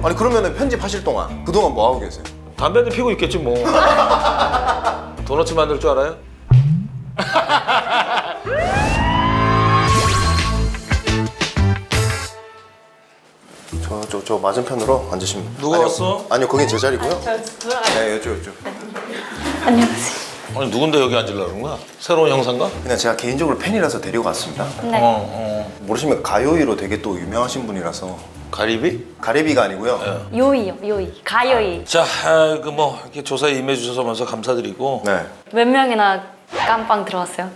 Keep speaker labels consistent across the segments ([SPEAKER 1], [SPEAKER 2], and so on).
[SPEAKER 1] 아니 그러면은 편집하실 동안 그동안 뭐 하고 계세요?
[SPEAKER 2] 담배는 피고 있겠지 뭐. 도넛 만들 줄 알아요?
[SPEAKER 1] 저 맞은편으로 앉으시면.
[SPEAKER 2] 누가 왔어?
[SPEAKER 1] 아니요, 거긴 제 자리고요.
[SPEAKER 3] 저 돌아가요.
[SPEAKER 1] 네, 이쪽.
[SPEAKER 3] 안녕하세요.
[SPEAKER 2] 아니 누군데 여기 앉으려고 그런 거야? 새로운 형사인가?
[SPEAKER 1] 그냥 제가 개인적으로 팬이라서 데리고 왔습니다.
[SPEAKER 3] 네.
[SPEAKER 1] 모르시면 가요이로 되게 또 유명하신 분이라서.
[SPEAKER 2] 가리비?
[SPEAKER 1] 가래비가 아니고요.
[SPEAKER 3] 요이요, 요이. 가요이.
[SPEAKER 2] 자, 그 뭐 이렇게 조사에 임해 주셔서 먼저 감사드리고.
[SPEAKER 1] 네.
[SPEAKER 3] 몇 명이나 깜빵 들어왔어요?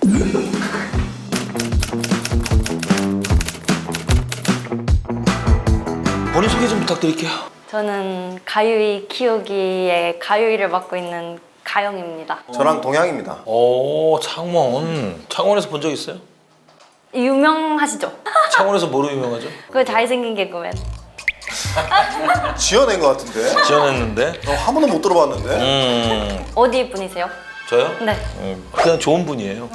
[SPEAKER 2] 본인 소개 좀 부탁드릴게요.
[SPEAKER 3] 저는 가요이 키우기의 가요이를 맡고 있는 가영입니다.
[SPEAKER 1] 저랑 동양입니다.
[SPEAKER 2] 오, 창원. 창원에서 본 적 있어요?
[SPEAKER 3] 유명하시죠?
[SPEAKER 2] 창원에서 뭐로 유명하죠?
[SPEAKER 3] 그 잘생긴 개그맨.
[SPEAKER 1] 지어낸 것 같은데?
[SPEAKER 2] 지원했는데.
[SPEAKER 1] 한 번도 못 들어봤는데?
[SPEAKER 3] 어디 분이세요?
[SPEAKER 2] 저요?
[SPEAKER 3] 네.
[SPEAKER 2] 그냥 좋은 분이에요.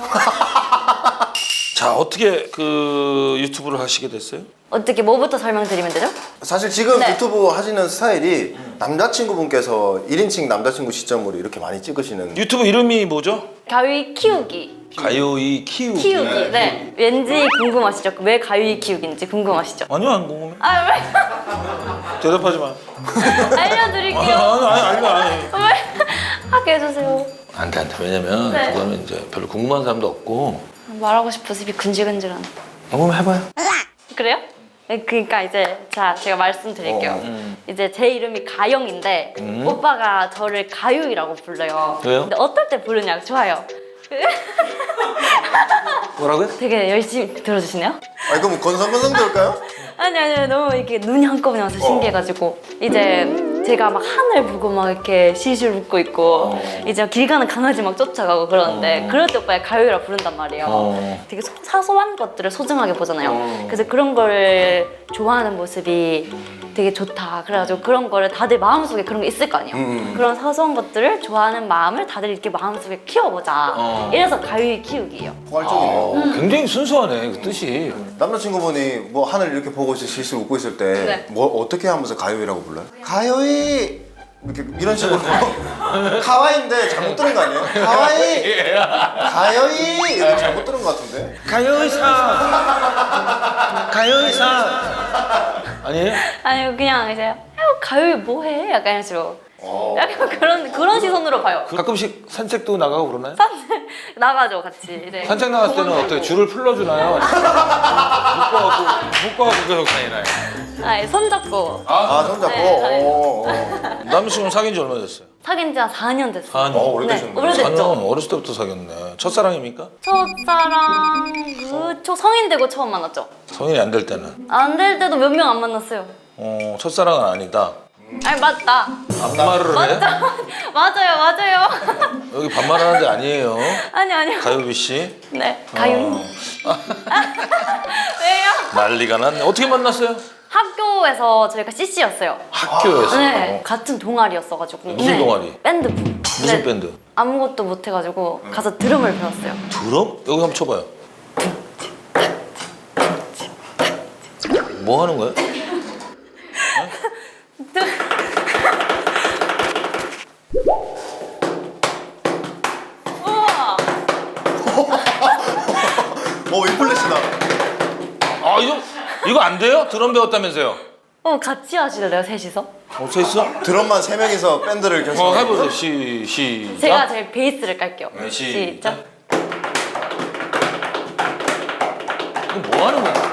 [SPEAKER 2] 자, 어떻게 그 유튜브를 하시게 됐어요?
[SPEAKER 3] 어떻게 뭐부터 설명드리면 되죠?
[SPEAKER 1] 사실 지금
[SPEAKER 3] 네.
[SPEAKER 1] 유튜브 하시는 스타일이 남자친구분께서 1인칭 남자친구 시점으로 이렇게 많이 찍으시는.
[SPEAKER 2] 유튜브 이름이 뭐죠?
[SPEAKER 3] 가요이 키우기.
[SPEAKER 2] 가요이 키우기.
[SPEAKER 3] 키우기. 네. 왠지 궁금하시죠? 왜 가요이 키우기인지 궁금하시죠?
[SPEAKER 2] 아니요, 안 궁금해.
[SPEAKER 3] 아, 왜?
[SPEAKER 2] 대답하지 마.
[SPEAKER 3] 알려드릴게요.
[SPEAKER 2] 아니.
[SPEAKER 3] 왜? 하게 해주세요.
[SPEAKER 2] 안 돼. 왜냐면
[SPEAKER 3] 네.
[SPEAKER 2] 그거는 이제 별로 궁금한 사람도 없고.
[SPEAKER 3] 말하고 싶어서 입이 근질근질한.
[SPEAKER 2] 한번 해봐요.
[SPEAKER 3] 그래요? 네, 그러니까 이제 제가 말씀드릴게요. 이제 제 이름이 가영인데 오빠가 저를 가요이라고 불러요.
[SPEAKER 2] 왜요?
[SPEAKER 3] 근데 어떨 때 부르냐 좋아요.
[SPEAKER 2] 뭐라고요?
[SPEAKER 3] 되게 열심히 들어주시네요.
[SPEAKER 1] 아니 그럼 건성건성 될까요?
[SPEAKER 3] 아니 너무 이렇게 눈이 한꺼번에 와서 신기해가지고 이제 제가 막 하늘 보고 막 이렇게 실실 웃고 있고 이제 길 가는 강아지 막 쫓아가고 그러는데 그럴 때 오빠가 가요이라 부른단 말이에요. 되게 사소한 것들을 소중하게 보잖아요. 그래서 그런 거를 좋아하는 모습이 되게 좋다. 그래가지고 그런 거를 다들 마음속에 그런 게 있을 거 아니에요. 그런 사소한 것들을 좋아하는 마음을 다들 이렇게 마음속에 키워보자. 이래서 가요이 키우기예요.
[SPEAKER 1] 포괄적이네요.
[SPEAKER 2] 굉장히 순수하네, 그 뜻이.
[SPEAKER 1] 남자친구분이 뭐 하늘 이렇게 보고 실실 웃고 있을 때
[SPEAKER 3] 네.
[SPEAKER 1] 뭐 어떻게 하면서 가요이라고 불러요? 가요이 이렇게 이런 식으로 가와이인데 잘못 들은 거 아니에요? 가와이 가요이 이렇게 잘못 들은 거 같은데?
[SPEAKER 2] 가요이사. 아니에요?
[SPEAKER 3] 아니 그냥 이제 가요이 뭐해? 약간 이런 식으로 약간 그런 시선으로 봐요.
[SPEAKER 2] 가끔씩 산책도 나가고 그러나요?
[SPEAKER 3] 나가죠 같이 이제.
[SPEAKER 2] 산책 나갔을 때는 어떻게 줄을 풀러주나요? 묶어갖고 계속 다니나요?
[SPEAKER 3] 아니 손잡고
[SPEAKER 1] 아 손잡고?
[SPEAKER 3] 네,
[SPEAKER 2] 남자친구는 사귄 지 얼마 됐어요?
[SPEAKER 3] 사귄 지 한 4년 됐어요.
[SPEAKER 2] 4년.
[SPEAKER 1] 오래되셨네.
[SPEAKER 3] 네, 오래됐죠.
[SPEAKER 2] 4년 어렸을 때부터 사귀었네. 첫사랑입니까?
[SPEAKER 3] 첫사랑 성인 되고 처음 만났죠.
[SPEAKER 2] 성인이 안 될 때는.
[SPEAKER 3] 안 될 때도 몇 명 안 만났어요.
[SPEAKER 2] 첫사랑은 아니다.
[SPEAKER 3] 아니 맞다.
[SPEAKER 2] 반말을 해?
[SPEAKER 3] 맞아요.
[SPEAKER 2] 여기 반말하는 데 아니에요.
[SPEAKER 3] 아니요.
[SPEAKER 2] 가요비 씨.
[SPEAKER 3] 네 가요이. 왜요?
[SPEAKER 2] 난리가 났네. 어떻게 만났어요?
[SPEAKER 3] 학교에서 저희가 CC였어요.
[SPEAKER 2] 학교에서.
[SPEAKER 3] 네, 같은 동아리였어가지고.
[SPEAKER 2] 무슨 동아리?
[SPEAKER 3] 밴드부.
[SPEAKER 2] 무슨 밴드?
[SPEAKER 3] 아무것도 못해가지고 가서 드럼을 배웠어요.
[SPEAKER 2] 드럼? 여기 한번 쳐봐요. 뭐 하는 거야?
[SPEAKER 3] 우와.
[SPEAKER 1] 윈플래시다.
[SPEAKER 2] 아 이거 안 돼요? 드럼 배웠다면서요?
[SPEAKER 3] 같이 하실래요 셋이서?
[SPEAKER 2] 어서 있어?
[SPEAKER 1] 드럼만 3명이서 밴드를 결성.
[SPEAKER 2] 해보세요. 시작.
[SPEAKER 3] 제가 제일 베이스를 깔게요.
[SPEAKER 2] 네,
[SPEAKER 3] 시작.
[SPEAKER 2] 이건 뭐 하는 거야?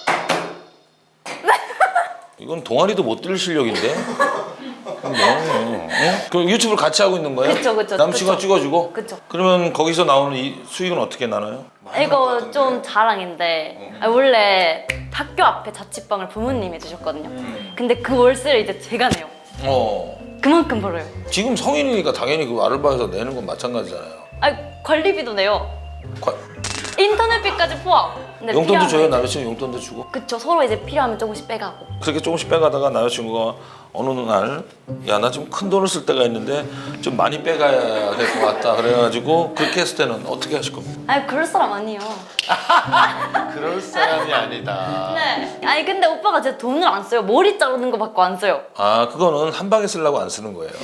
[SPEAKER 2] 이건 동아리도 못 들을 실력인데? 뭐 하는 거야? 그럼 유튜브를 같이 하고 있는 거예요?
[SPEAKER 3] 그쵸.
[SPEAKER 2] 남친과 찍어주고?
[SPEAKER 3] 그쵸.
[SPEAKER 2] 그러면 거기서 나오는 이 수익은 어떻게 나눠요?
[SPEAKER 3] 이거 좀 자랑인데 원래 학교 앞에 자취방을 부모님이 주셨거든요. 근데 그 월세를 이제 제가 내요. 그만큼 벌어요.
[SPEAKER 2] 지금 성인이니까 당연히 그 아르바이트에서 내는 건 마찬가지잖아요.
[SPEAKER 3] 관리비도 내요.
[SPEAKER 2] 과-
[SPEAKER 3] 인터넷비까지 포함. 근데
[SPEAKER 2] 용돈도 줘요?
[SPEAKER 3] 필요하면
[SPEAKER 2] 남자친구 용돈도 주고?
[SPEAKER 3] 그쵸, 서로 이제 필요하면 조금씩 빼가고.
[SPEAKER 2] 그렇게 조금씩 빼가다가 남자친구가 어느 날 야 나 좀 큰 돈을 쓸 때가 있는데 좀 많이 빼가야 될 것 같다 그래가지고 그렇게 했을 때는 어떻게 하실 겁니까?
[SPEAKER 3] 아니 그럴 사람 아니에요.
[SPEAKER 2] 그럴 사람이 아니다.
[SPEAKER 3] 네. 아니 근데 오빠가 제 돈을 안 써요. 머리 자르는 거 받고 안 써요.
[SPEAKER 2] 아 그거는 한 방에 쓰려고 안 쓰는 거예요.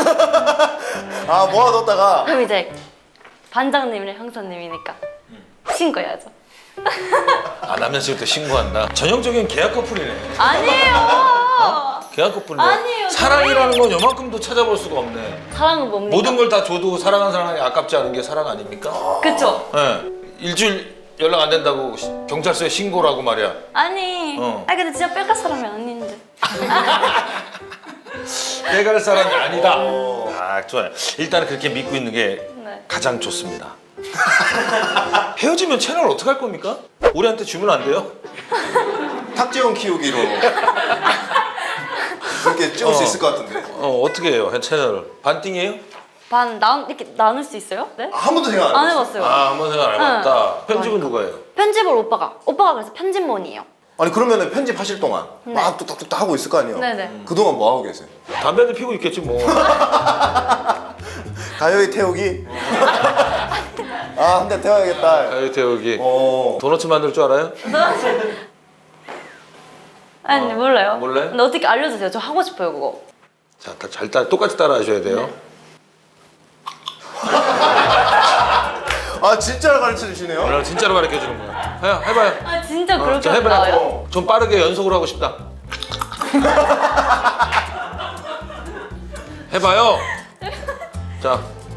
[SPEAKER 1] 아 모아뒀다가
[SPEAKER 3] 그럼 이제 반장님이랑 형사님이니까 신고해야죠.
[SPEAKER 2] 아 남자친구 또 신고한다. 전형적인 계약 커플이네.
[SPEAKER 3] 아니에요.
[SPEAKER 2] 계약 커플이네.
[SPEAKER 3] 아니에요,
[SPEAKER 2] 사랑이라는 건 요만큼도 찾아볼 수가 없네.
[SPEAKER 3] 사랑은 뭡니까?
[SPEAKER 2] 모든 걸 다 줘도 사랑하는 사람이 아깝지 않은 게 사랑 아닙니까?
[SPEAKER 3] 그쵸?
[SPEAKER 2] 네. 일주일 연락 안 된다고 경찰서에 신고라고 말이야.
[SPEAKER 3] 아니. 아니 근데 진짜 뺄갈 사람이 아닌데.
[SPEAKER 2] 빼갈 사람이 아니다. 아 좋아요. 일단은 그렇게 믿고 있는 게
[SPEAKER 3] 네.
[SPEAKER 2] 가장 좋습니다. 헤어지면 채널 어떻게 할 겁니까? 우리한테 주면 안 돼요?
[SPEAKER 1] 탁재훈 키우기로 그렇게 찍을 수 있을 것 같은데.
[SPEAKER 2] 어떻게 해요? 채널을 반띵이에요?
[SPEAKER 3] 이렇게 나눌 수 있어요? 네?
[SPEAKER 1] 한 번도 생각 안
[SPEAKER 3] 안
[SPEAKER 1] 해봤어.
[SPEAKER 3] 해봤어요.
[SPEAKER 2] 아 한번 생각 안 해봤다. 편집은 누가 해요?
[SPEAKER 3] 편집을 오빠가 그래서 편집몬이에요.
[SPEAKER 1] 아니 그러면은 편집하실 동안 막 뚝딱뚝딱 하고 있을 거 아니에요?
[SPEAKER 3] 네네.
[SPEAKER 1] 그동안 뭐 하고 계세요?
[SPEAKER 2] 담배도 피고 있겠지 뭐.
[SPEAKER 1] 가요이 태우기? 아 한 대 태워야겠다.
[SPEAKER 2] 가요 태우기.
[SPEAKER 1] 어.
[SPEAKER 2] 도너츠 만들 줄 알아요?
[SPEAKER 3] 아니 몰라요.
[SPEAKER 2] 몰라요?
[SPEAKER 3] 근데 어떻게 알려주세요. 저 하고 싶어요 그거.
[SPEAKER 2] 자, 똑같이 따라 하셔야 돼요.
[SPEAKER 1] 아 진짜로 가르쳐 주시네요?
[SPEAKER 2] 오늘 진짜로 가르쳐 주는 거야. 해봐요.
[SPEAKER 3] 아 진짜 그렇게
[SPEAKER 2] 자, 해봐요.
[SPEAKER 3] 나와요?
[SPEAKER 2] 좀 빠르게 연속으로 하고 싶다. 해봐요. 자.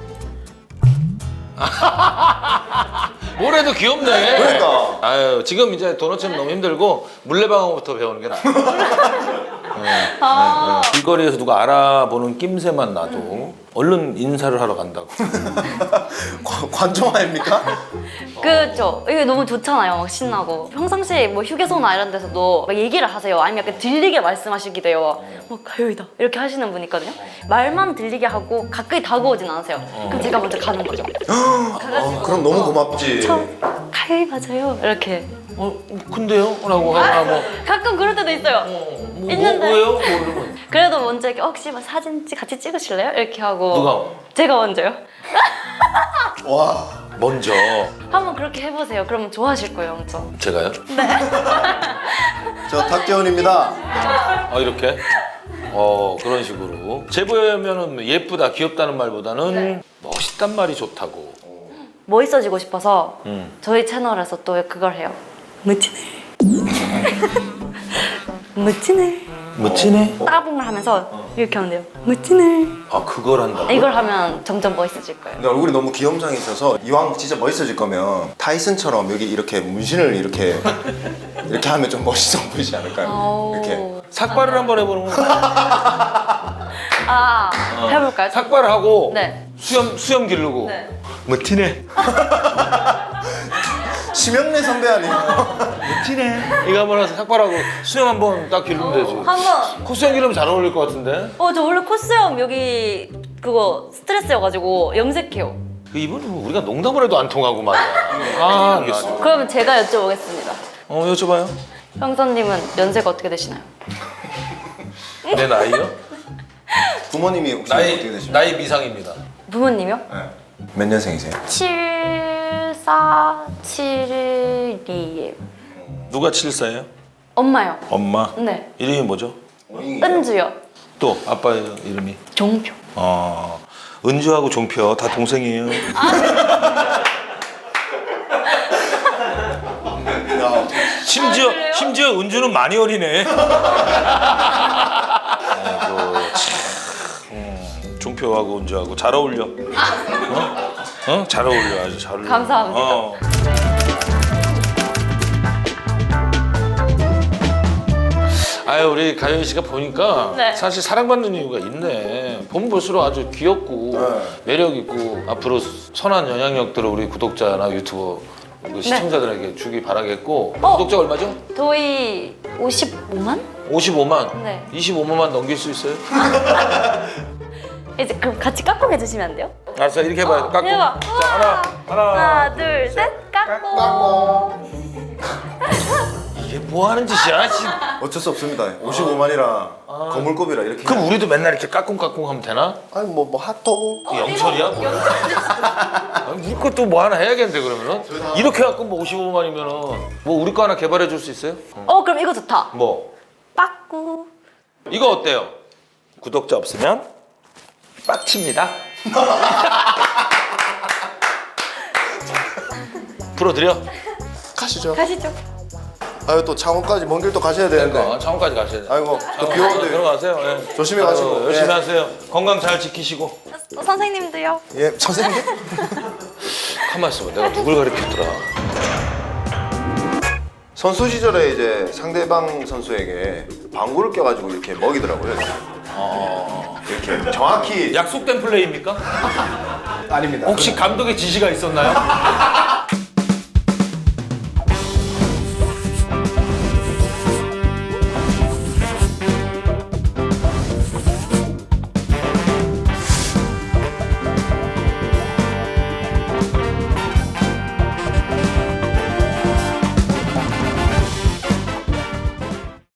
[SPEAKER 2] 뭘 해도 귀엽네.
[SPEAKER 1] 그러니까.
[SPEAKER 2] 아유, 지금 이제 도너츠는 너무 힘들고 물레방아부터 배우는 게 나아.
[SPEAKER 3] 아.
[SPEAKER 2] 길거리에서 누가 알아보는 낌새만 나도 얼른 인사를 하러 간다고.
[SPEAKER 1] 관종 아닙니까?
[SPEAKER 3] 그죠. 이게 너무 좋잖아요. 막 신나고. 평상시에 뭐 휴게소나 이런 데서도 막 얘기를 하세요. 아니면 약간 들리게 말씀하시기도 해요. 뭐 가요이다 이렇게 하시는 분 있거든요. 말만 들리게 하고 가까이 다가오진 않으세요. 그럼 제가 먼저 가는 거죠.
[SPEAKER 1] 그럼 너무 고맙지.
[SPEAKER 3] 저 가요이 맞아요. 이렇게.
[SPEAKER 2] 근데요? 라고 하거나 뭐.
[SPEAKER 3] 가끔 그럴 때도 있어요. 있는데.
[SPEAKER 2] 뭐예요? 뭐 이러면.
[SPEAKER 3] 그래도 먼저 이렇게 혹시 막 사진 같이 찍으실래요? 이렇게 하고.
[SPEAKER 2] 누가?
[SPEAKER 3] 제가 먼저요.
[SPEAKER 1] 와.
[SPEAKER 2] 먼저.
[SPEAKER 3] 한번 그렇게 해보세요. 그러면 좋아하실 거예요, 엄청.
[SPEAKER 2] 제가요?
[SPEAKER 1] 저 탁재훈입니다.
[SPEAKER 2] 이렇게? 그런 식으로. 제보하면은 예쁘다, 귀엽다는 말보다는 멋있단 말이 좋다고.
[SPEAKER 3] 멋있어지고 싶어서 저희 채널에서 또 그걸 해요. 멋지네. 멋지네.
[SPEAKER 2] 멋지네?
[SPEAKER 3] 따봉을 하면서 이렇게 하면 돼요. 멋지네.
[SPEAKER 2] 아, 그걸 한다고?
[SPEAKER 3] 이걸 하면 점점 멋있어질 거예요.
[SPEAKER 1] 근데 얼굴이 너무 귀염장이셔서 이왕 진짜 멋있어질 거면 타이슨처럼 여기 이렇게 문신을 이렇게 하면 좀 멋있어 보이지 않을까요? 이렇게.
[SPEAKER 2] 삭발을 한번 해보는 거.
[SPEAKER 3] 해볼까요?
[SPEAKER 2] 삭발을 하고
[SPEAKER 3] 네.
[SPEAKER 2] 수염 기르고.
[SPEAKER 3] 네.
[SPEAKER 2] 멋지네.
[SPEAKER 1] 심영래 선배 아니에요?
[SPEAKER 2] 멋지네. 이거 한번 해서 삭발하고 수염 한번 딱 기르면 되지.
[SPEAKER 3] 한번.
[SPEAKER 2] 콧수염 기르면 잘 어울릴 것 같은데?
[SPEAKER 3] 저 원래 콧수염 여기 그거 스트레스여가지고 염색해요.
[SPEAKER 2] 이분은 뭐 우리가 농담을 해도 안 통하고 말이야. 알겠어.
[SPEAKER 3] 그러면 제가 여쭤보겠습니다.
[SPEAKER 2] 여쭤봐요.
[SPEAKER 3] 형사님은 연세가 어떻게 되시나요?
[SPEAKER 2] 내 나이요?
[SPEAKER 1] 부모님이 혹시 어떻게 되십니까?
[SPEAKER 2] 나이 미상입니다.
[SPEAKER 3] 부모님이요?
[SPEAKER 1] 네. 몇 년생이세요?
[SPEAKER 3] 7472예요.
[SPEAKER 2] 누가 74예요?
[SPEAKER 3] 엄마요.
[SPEAKER 2] 엄마.
[SPEAKER 3] 네.
[SPEAKER 2] 이름이 뭐죠?
[SPEAKER 3] 은주요.
[SPEAKER 2] 또 아빠의 이름이?
[SPEAKER 3] 종표.
[SPEAKER 2] 은주하고 종표 다 동생이에요.
[SPEAKER 1] 야,
[SPEAKER 2] 심지어 은주는 많이 어리네. 아이고 참. 종표하고 은주하고 잘 어울려. 잘 어울려. 아주 잘 어울려.
[SPEAKER 3] 감사합니다.
[SPEAKER 2] 아유 우리 가연 씨가 보니까
[SPEAKER 3] 네.
[SPEAKER 2] 사실 사랑받는 이유가 있네. 보면 볼수록 아주 귀엽고 매력 있고 앞으로 선한 영향력들을 우리 구독자나 유튜버 시청자들에게 주기 바라겠고. 구독자 얼마죠?
[SPEAKER 3] 저희 55만?
[SPEAKER 2] 55만.
[SPEAKER 3] 네.
[SPEAKER 2] 25만만 넘길 수 있어요?
[SPEAKER 3] 이제 그럼 같이 깍꿍 해주시면 안 돼요?
[SPEAKER 2] 알았어 이렇게 해봐요. 깎고.
[SPEAKER 3] 해봐.
[SPEAKER 2] 자 하나.
[SPEAKER 3] 하나, 둘, 셋. 깍꿍.
[SPEAKER 2] 이게 뭐 하는 짓이야? 씨.
[SPEAKER 1] 어쩔 수 없습니다. 55만이라 거물급이라 이렇게.
[SPEAKER 2] 그럼 우리도 맨날 이렇게 까꿍까꿍 하면 되나?
[SPEAKER 1] 아니 뭐 핫도그.
[SPEAKER 2] 그 영철이야 뭐야? 아니, 우리 것도 뭐 하나 해야겠는데 그러면은? 이렇게 해갖고 뭐 55만이면은 뭐 우리 거 하나 개발해 줄 수 있어요?
[SPEAKER 3] 그럼 이거 좋다.
[SPEAKER 2] 뭐?
[SPEAKER 3] 빠꾸.
[SPEAKER 2] 이거 어때요? 구독자 없으면 빡칩니다. 풀어드려?
[SPEAKER 1] 가시죠.
[SPEAKER 3] 가시죠.
[SPEAKER 1] 아유 또 창원까지 먼 길 또 가셔야 되는데.
[SPEAKER 2] 그러니까 창원까지 가셔야 돼.
[SPEAKER 1] 아이고 또 비 오는데.
[SPEAKER 2] 들어가세요. 예.
[SPEAKER 1] 조심히 가시고.
[SPEAKER 2] 아유, 열심히
[SPEAKER 1] 예.
[SPEAKER 2] 하세요. 건강 잘 지키시고.
[SPEAKER 3] 선생님도요.
[SPEAKER 1] 예 선생님.
[SPEAKER 2] 가만 있어봐. 내가 누굴 가르쳤더라.
[SPEAKER 1] 선수 시절에 이제 상대방 선수에게 방구를 껴가지고 이렇게 먹이더라고요. 이렇게 정확히.
[SPEAKER 2] 약속된 플레이입니까?
[SPEAKER 1] 아닙니다.
[SPEAKER 2] 혹시 감독의 지시가 있었나요?